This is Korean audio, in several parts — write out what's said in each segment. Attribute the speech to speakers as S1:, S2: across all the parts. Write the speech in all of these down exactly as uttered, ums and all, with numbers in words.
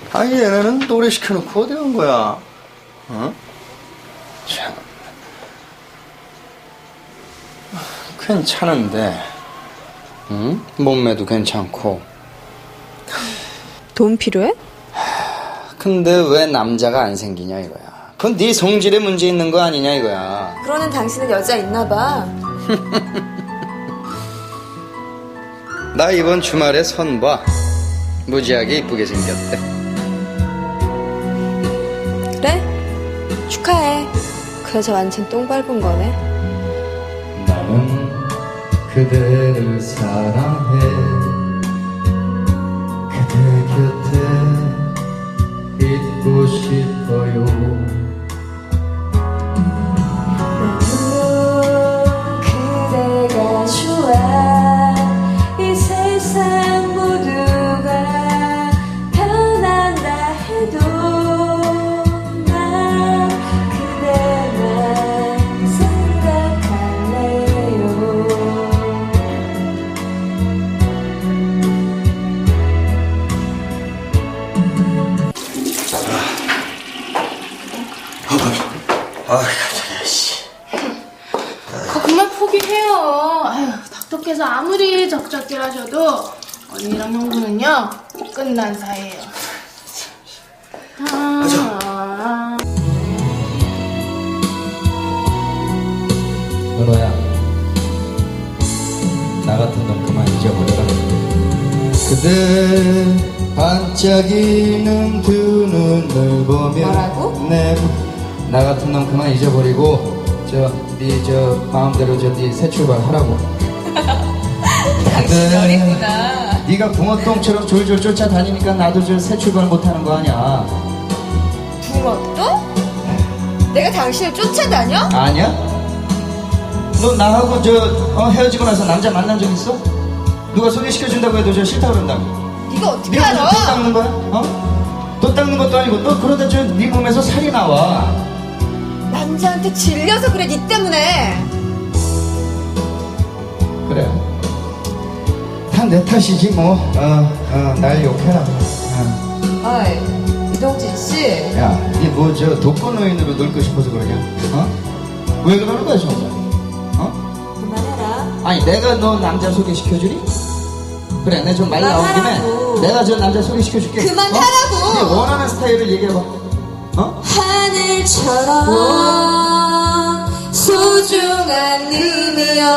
S1: 아니 얘네는 노래 시켜놓고 어디 간 거야? 어? 참 괜찮은데 응? 몸매도 괜찮고.
S2: 돈 필요해?
S1: 근데 왜 남자가 안 생기냐 이거야. 그건 네 성질에 문제 있는 거 아니냐 이거야.
S2: 그러는 당신은 여자 있나 봐.
S1: 나 이번 주말에 선봐. 무지하게 이쁘게 생겼대.
S2: 그래? 축하해. 그 여자 완전 똥 밟은 거네.
S1: 나는 그대를 사랑해. 그대 곁에 있고 싶어요.
S2: 그대가 좋아. 이 세상 모두가 변한다 해도 난 그대만 생각할래요.
S1: 아, 가자, 씨.
S3: 그거 그만 포기해요. 아휴, 닥터께서 아무리 적적질 하셔도 언니랑 형부는요 끝난 사이예요. 아,
S1: 은호야, 나 같은 놈 그만 잊어버려라. 그대 반짝이는 두 눈을 보며
S2: 뭐라고?
S1: 네, 나 같은 놈 그만 잊어버리고 저, 네 저 마음대로 저 네 새 출발하라고.
S2: 당신 어리구나.
S1: 네가 붕어똥처럼 졸졸 쫓아다니니까 나도 저 새 출발 못하는 거 아니야.
S2: 붕어똥? 내가 당신을 쫓아다녀?
S1: 아니야? 너 나하고 저 어, 헤어지고 나서 남자 만난 적 있어? 누가 소개시켜준다고 해도 저 싫다 그런다고.
S2: 네가 어떻게
S1: 네가
S2: 알아?
S1: 또 닦는 거야? 어? 또 닦는 것도 아니고 너 그러다 저 네 몸에서 살이 나와.
S2: 남자한테 질려서 그래, 니 때문에.
S1: 그래. 다 내 탓이지 뭐. 어, 어, 날 욕해라. 어.
S2: 어이, 이동진 씨.
S1: 야, 니 뭐 저 독거노인으로 놀고 싶어서 그러냐? 어? 왜 그러는 거야 정말? 어?
S2: 그만해라.
S1: 아니 내가 너 남자 소개시켜주니? 그래, 내가 좀 말 나온 김에
S2: 그만하라고.
S1: 내가 저 남자 소개시켜줄게.
S2: 그만하라고.
S1: 어? 네 원하는 스타일을 얘기해봐. 어?
S2: 하늘처럼 소중한 님이여,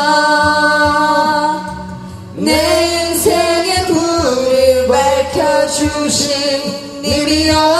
S2: 내 인생의 불을 밝혀주신 님이여.